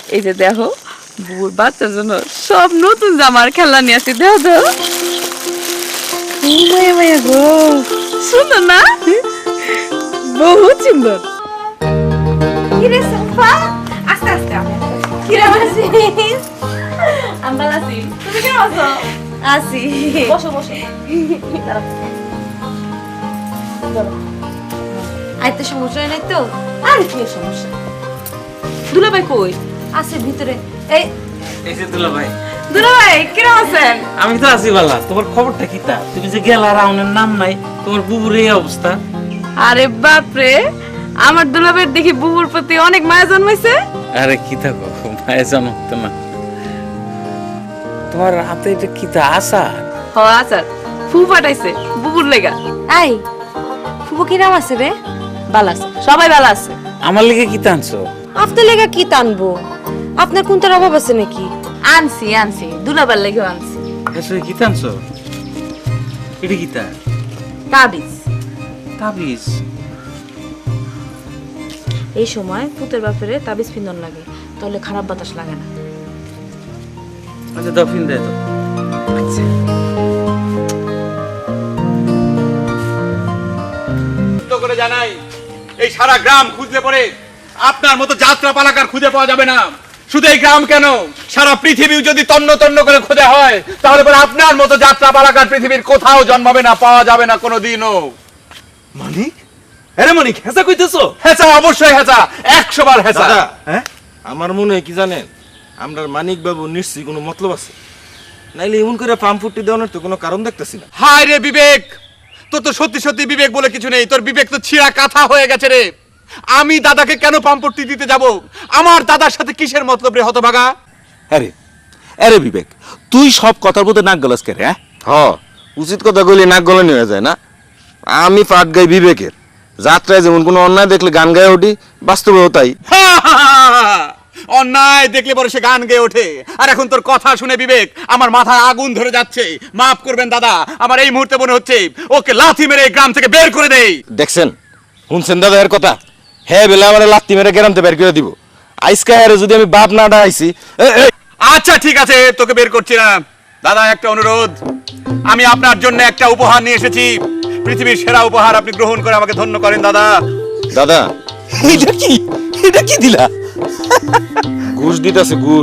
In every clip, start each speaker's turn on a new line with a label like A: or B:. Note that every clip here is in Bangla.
A: এই যে দেখো বুবুর বাচ্চার জন্য সব নতুন জামার খেলা নিয়ে আসি, দেখো দেখো। ও মায়া মায়া গো, সুন্দর না? বহুত সুন্দর।
B: কিরে সাফা, আস্তে আস্তে কিরে আছিস? আমি ভালো আছি, তুমি কেমন আছো? আছি। বসো বসো। আইতে সমস্যা নাই তো? আর কি সমস্যা? দুলাভাই কই? আছে ভিতরে।
C: এই যে দুলা ভাই।
B: দুলাভাই কেমন আছেন?
C: আমি তো আছি বালা। তোমার খবরটা কি তা? তুমি যে গেলা রাউনের নাম নাই, তোমার বুবুর এই অবস্থা।
A: আরে বাপরে, আমার দুলাভাইয়ের দেখি বুবুর প্রতি অনেক মায়া জন্মাইছে।
C: আরে কি থাকো মায়ের জন্মতো না। তোমার হাতে এটা কি তা আচার?
A: হ আচার, ফু ফাটাইছে বুবুর লেগা।
B: এই ফুবু কি নাম আছে রে?
A: ভালো আছে, সবাই ভালো আছে।
C: আমার লেগে কি টানছো?
B: আপনার লেগা কি টানবো? আপনার কোনটার অভাব আছে নাকি?
A: আনছি আনছি, দুলাবার লেগেও আনছি।
C: এসে কি টানছো? এটা কি তা?
A: তাবিজ।
C: তাবিজ?
B: এই সময় পুতের বাপেরে তাবিজ পিন্দন লাগে, তাহলে খারাপ বাতাস লাগে না।
C: আচ্ছা দাও, ফিন দেয় তো।
A: আচ্ছা
D: করে জানাই, এই সারা গ্রাম খুঁজলে পরে আপনার মতো যাত্রা পালাকার খুঁজে পাওয়া যাবে না। শুধু এই গ্রাম কেন, সারা পৃথিবীও যদি তন্ন তন্ন করে খোঁজা হয়, তাহলে পরে আপনার মতো যাত্রা পালাকার পৃথিবীর কোথাও জন্মাবে না, পাওয়া যাবে না কোনোদিনও।
E: মানিক, আরে মানিক, হেসা কইতেছো?
D: হেঁচা, অবশ্যই হেঁচা, 100 বার হেঁচা।
E: দাদা, হ্যাঁ আমার মনে হয় কি জানেন, আমরা মানিক বাবু নিশ্চয়ই কোনো মতলব আছে, নাইলে এমন করে পাম্প ফুটি দেওয়ানোর তো কোনো কারণ দেখতেছি না।
D: হায় রে বিবেক, তোর তো সত্যি সত্যি বিবেক বলে কিছু নেই। তোর বিবেক তো ছিঁড়া কাঁথা হয়ে গেছে রে। আমি দাদাকে কেন পাম্পটি দিতে যাব? আমার দাদার সাথে কিসের মতলব রে হতভাগা?
E: আরে আরে বিবেক, তুই সব কথার মধ্যে নাক গলাস কে রে? হ্যাঁ, উচিত কথা কইলে নাক গলানি হয়ে যায় না। আমি পাট গাই বিবেকের, যাত্রায় যেমন কোনো অন্যায় দেখলে গান গায়ে উঠি, বাস্তবেও তাই।
D: অন্যায় দেখলে পরে সে গান গেয়ে ওঠে। আর এখন তোর কথা শুনে বিবেক আমার মাথায় আগুন ধরে যাচ্ছে। মাফ করবেন দাদা, আমার এই মুহূর্তে মনে হচ্ছে ওকে লাথি মেরে এই গ্রাম থেকে বের করে দেই।
E: দেখছেন, শুনছেন দাদা এর কথা? হ্যাঁ বেলা আমার লাত্তি মেরে গ্রামতে বের করে দিব। আইসকা হেরে যদি আমি বাপ না ডাইছি।
D: আচ্ছা ঠিক আছে, তোকে বের করছি না। দাদা একটা অনুরোধ, আমি আপনার জন্য একটা উপহার নিয়ে এসেছি। পৃথিবীর সেরা উপহার, আপনি গ্রহণ করে আমাকে ধন্য করেন দাদা।
E: দাদা এটা কি? এটা কি দিলা? ঘুষ দিতেছে, ঘুষ।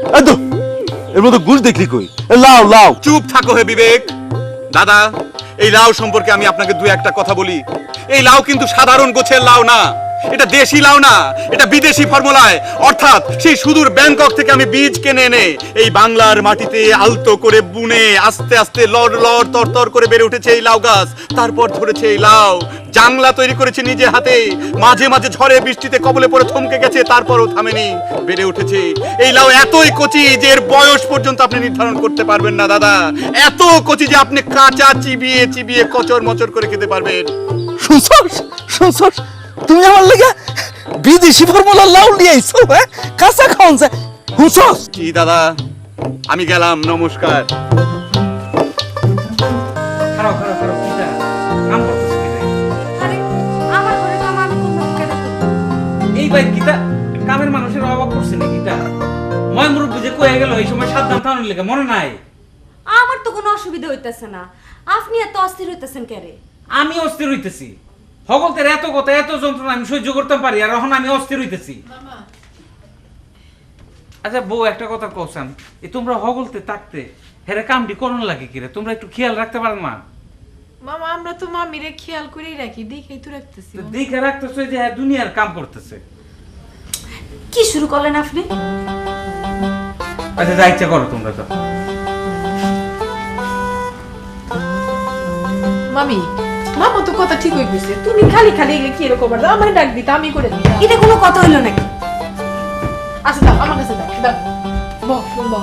E: এর মধ্যে ঘুষ দেখলি কই? লাও লাও।
D: চুপ থাকো হে বিবেক। দাদা, এই লাউ সম্পর্কে আমি আপনাকে দু একটা কথা বলি। এই লাউ কিন্তু সাধারণ গোছের লাউ না, এটা দেশি লাউ না, এটা বিদেশি ফর্মুলায়, অর্থাৎ সেই সুদূর ব্যাংকক থেকে আমি বীজ কিনে এনে এই বাংলার মাটিতে আলতো করে বুনে আস্তে আস্তে লড় লড় তরতর করে বেড়ে উঠেছে এই লাউ গাছ। তারপর ধরেছে এই লাউ, জাংলা তৈরি করেছে নিজে হাতে, মাঝে মাঝে ঝড়ে বৃষ্টিতে কবলে পড়ে থমকে গেছে, তারপরও থামেনি, বেড়ে উঠেছে। এই লাউ এতই কচি যে এর বয়স পর্যন্ত আপনি নির্ধারণ করতে পারবেন না দাদা। এত কচি যে আপনি কাঁচা চিবিয়ে চিবিয়ে কচর মচর করে খেতে পারবেন।
E: শুনছস? শুনছস? তুমি আমার লাগা বিদেশি ফর্মুলা লাউ নিয়ে আইছো? হ্যাঁ, কাঁচা খাওন যায়। শুনছস?
D: কি দাদা, আমি গেলাম, নমস্কার।
C: খারাপ খারাপ খারাপ কি তা? কাম করতেছ কি রে?
B: আরে আমার ঘরে কাম আমি করব কেন?
C: এই ভাই কি তা? কামের মানুষের অভাব পড়ছে নাকি তা? ময় মুরব্বি যে কয়ে গেল এই সময় সাবধান থাকার লেগে মনে নাই?
B: আমার তো কোনো অসুবিধা হইতাছে না, আপনি এত অস্থির হইতাছেন কেন?
C: আমি অস্থির হইতেছি। হগলতের এত কথা এত যন্ত্রণা আমি সহ্য করতে পারি, আর এখন আমি অস্থির হইতেছি। আচ্ছা বউ, একটা কথা কওসাম, এই তোমরা হগলতে থাকতে হেরে কামটি করন লাগে কিরে? তোমরা একটু খেয়াল রাখতে পারো না?
F: মামা আমরা তো মামিরে খেয়াল করেই রাখি, দেখেই তো রাখতেছি।
C: তো দেখে রাখতেছে যে হ্যাঁ দুনিয়ার কাম করতেছে।
B: কি শুরু করলেন আপনি?
C: আচ্ছা যা ইচ্ছা করো তোমরা তো।
F: মামি, মামা তো কথা ঠিকই কইছে, তুমি খালি খালি এগুলো কি এরকম আর আমার ডাক দিতা আমি করে দিই।
B: এটা কোনো কথা হইলো নাকি?
F: আচ্ছা দাও আমার কাছে দাও, দাও বহ বহ।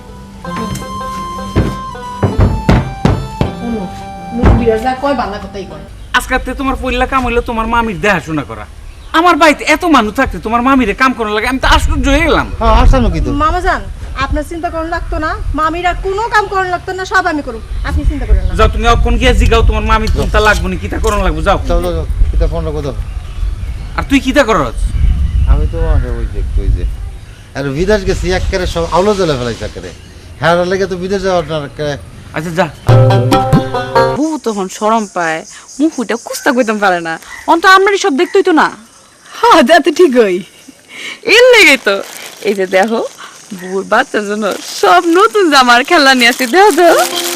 F: মুরব্বিরা যা কয় বাংলা কথাই কয়।
C: আজকাতে তোমার পইলা কাম হইলো তোমার মামির দেখাশোনা করা। আমার বাড়িতে এত মানুষ থাকতে তোমার মামিরে কাম করার লাগে, আমি তো আশ্চর্য হয়ে গেলাম।
G: মামা জান, আপনার চিন্তা করুন লাগতো না, মামিরা কোনো কাম করুন লাগতো না, সব আমি করুম, আপনি চিন্তা করেন না।
C: যাও তুমি অক্ষণ গিয়ে জিগাও তোমার মামি কোনটা লাগবো না, কিতা করন লাগবো, যাও।
H: কিতা ফোনটা কত?
C: আর তুই কিতা করছ?
H: আমি তো ওই যে আর বিদেশ গেছি একেবারে সব আলো জ্বলে ফেলাইছে একেবারে হ্যাঁ লেগে তো বিদেশ যাওয়াটা
C: আচ্ছা যা
A: বুবু তখন শরম পায় মুখটা কুস্তা কইতাম পারে না অন্ত আমরাই সব দেখতেই তো না।
F: হ্যাঁ যা তো ঠিকই।
A: এর লেগে তো এই যে দেখো বুবুর বাচ্চার জন্য সব নতুন জামার খেলা নিয়ে আসি দেখো তো।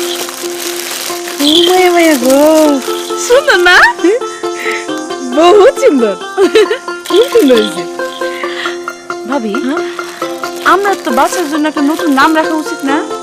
A: ও মায়া মায়া গো সুন্দর না?
F: বহুত সুন্দর, খুব সুন্দর হয়েছে।
A: ভাবি আমরা তো বাচ্চার জন্য একটা নতুন নাম রাখা উচিত না?